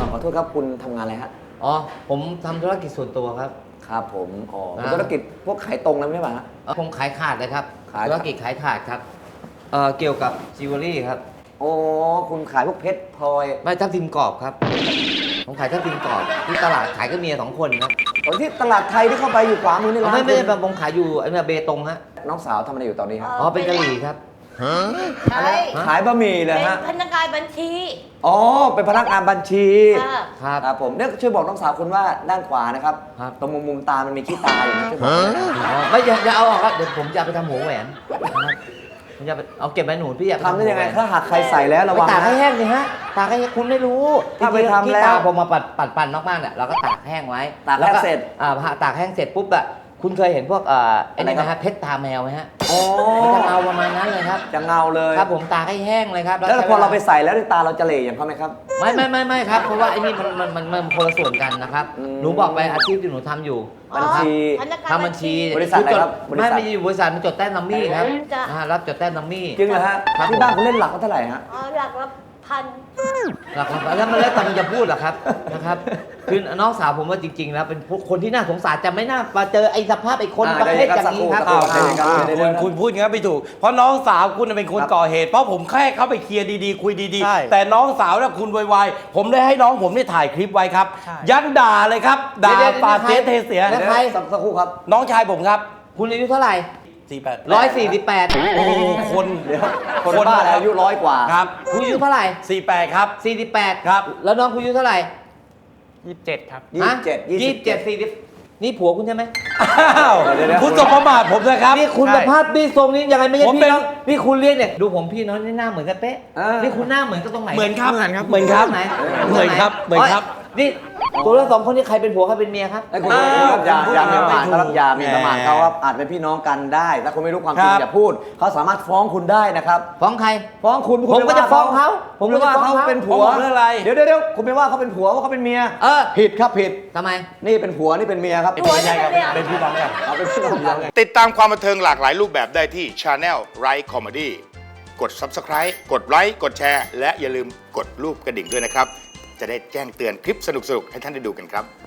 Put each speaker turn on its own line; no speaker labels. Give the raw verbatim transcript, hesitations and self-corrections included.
ขอโทษครับคุณทำงานอะไรฮะ
อ๋อผมทำธุรกิจส่วนตัวครับ
ครับผมอ๋อธุรกิจพวกขายตรงแล้วไม่ใช่ป่ะฮะ
ผมขายขาดเลยครับ
ขาย
ธุรกิจขายขาดครับเอ่อเกี่ยวกับจิวเวลรี่ครับ
โอ้คุณขายพวกเพชรพลอย
ไม่ทับทิมกรอบครับผมขายทับทิมกรอบที่ตลาดขายก็เมียสองคนครับ
ตอนที่ตลาดไทยที่เข้าไปอยู่ขวามือนี่ร้าน
ไม่ไม่ไม่ผมขายอยู่ไอ้เนี่ยเบตงฮะ
น้องสาวทำอะไรอยู่ตอนนี้ครับ
อ๋อเป็นกะหรี่ครับ
ใช่
ขายบะหมี่เลยฮะ
เป็นพนักงานบัญชี
อ๋อเป็นพนักงานบัญชี
ครับ
ครับผมเนี่ยช่วยบอกน้องสาวคุณว่าด้านขวานะครับตรงมุมมุมตามันมีขี้ตาอยู่นะช่วยบอก
ไม่อย่าอย่าเอาออกครับเดี๋ยวผมจะไปทำหัวแหวนผมจะเอาเก็บไว้หนูพี่อยาก
ทำได้ยังไงถ้าหากใครใส่แล้วระวัง
ตากให้แห้งสิฮะตากให้คุณไม่รู้
ถ้าไปทำแล้ว
ผมมาปัดปัดปั่นมากๆเนี่ยเราก็ตากแห้งไว้
ตากแห้งเสร็จ
อ่าตากแห้งเสร็จปุ๊บอะคุณเคยเห็นพวกเอ่อไอ้นี่นะฮะเพชรตาแมวไหมฮะ
อ๋อ
จะเงาประมาณนั้นเลยครับ
จะเงาเลย
ครับผมตากให้แห้งเลยครับ
แล้วพอเราไปใส่แล้วตาเราจะเหล่อย่างเขาไหมครับ
ไม่ไม่ไม่ไม่ครับเพราะว่าไอ้นี่มันมันมันมันคนละส่วนกันนะครับหนูบอกไปอาชีพที่หนูทำอยู่
บัญชี
ทำบัญชี
บริษัทอะไรครับ
ไม่ไม่อยู่บริษัทมันจดแต้มนัมมี่ครับรับจดแต้มนัมมี่
จริงเหรอฮะที่บ้านคุณเล่นหลักเท่าไหร่ฮะ
อ๋อหลักละพัน
หลักละแล้วมันแล้วแต่มันจะพูดหรอครับนะครับคือน้องสาวผมว่าจริงๆแล้วเป็นคนที่น่าสงสารจะไม่น่ามาเจอไอ้สภาพไอ้คนประเภทอย่างนี้ครับ
คุณคุณพูดงั้นไม่ถูกเพราะน้องสาวคุณเป็นคนก่อเหตุเพราะผมแค่เข้าไปเคลียร์ดีๆคุยดีๆแต่น้องสาวเนี่ยคุณวายๆผมได้ให้น้องผมได้ถ่ายคลิปไว้ครับยันด่าเลยครับด่าปาเสียเทเสีย
ใครสักครู่ครับ
น้องชายผมครับ
คุณอายุเท่าไหร่
สี่แปด
ร้อยสี่สิบแปด
โอ้คน
เดี๋ยวคนบ้าอายุร้อยกว่า
ครับ
คุณอายุเท่าไหร่
สี่แปดครับ
สี่สิบแปด
ครับ
แล้วน้องคุณอายุเท่าไหร่
ยี่สิบเจ็ดครับ
ยี่สิบเจ็ด
ยี่สิบเจ็ดสี่สิบนี่ผัวคุณใช่ไหม
อ้าวคุณสมประมาทผมนะครับ
นี่คุณสภาพนี่ทรงนี้ยังไงไม่ใช่พี่น้องนี่คุณเรียกเนี่ยดูผมพี่น้องนี่หน้าเหมือนกันเป๊ะนี่คุณหน้าเหมือนก็ตรงไหน
เหมือนครับเหมือนครับ
เหมือนครับ
ไหนเหมือนครับเหมือนครับ
นี่ตัวละสองคนนี้ใครเป็นผัวใครเป็นเมียครับ
ไอ้คุณอย่าอย่ามีประมาทเขาอย่ามีประมาทเขาว่าอาจเป็นพี่น้องกันได้ถ้าคุณไม่รู้ความจริงอย่าพูดเขาสามารถฟ้องคุณได้นะครับ
ฟ้องใคร
ฟ้องคุณ
ผมก็จะฟ้องเขา
ผมก็ว่าเขาเป็นผัว
เรื่องอะไร
เดี๋ยวเดี๋ยวคุณไม่ว่าเขาเป็นผัวว่าเขาเป็นเมีย
เออ
ผิดครับผิด
ทำไม
นี่เป็นผัวนี่เป็นเมียครับ
เป็นพี่น้องกันเป็นพี่น้องกัน
เอาเป็นพี่น้องกัน
ติดตามความบันเทิงหลากหลายรูปแบบได้ที่ Channel Right Comedy กด Subscribe กดไลค์กดแชร์และอย่าลืมกดรูปกระดิ่งด้วยนะครับจะได้แจ้งเตือนคลิปสนุกๆให้ท่านได้ดูกันครับ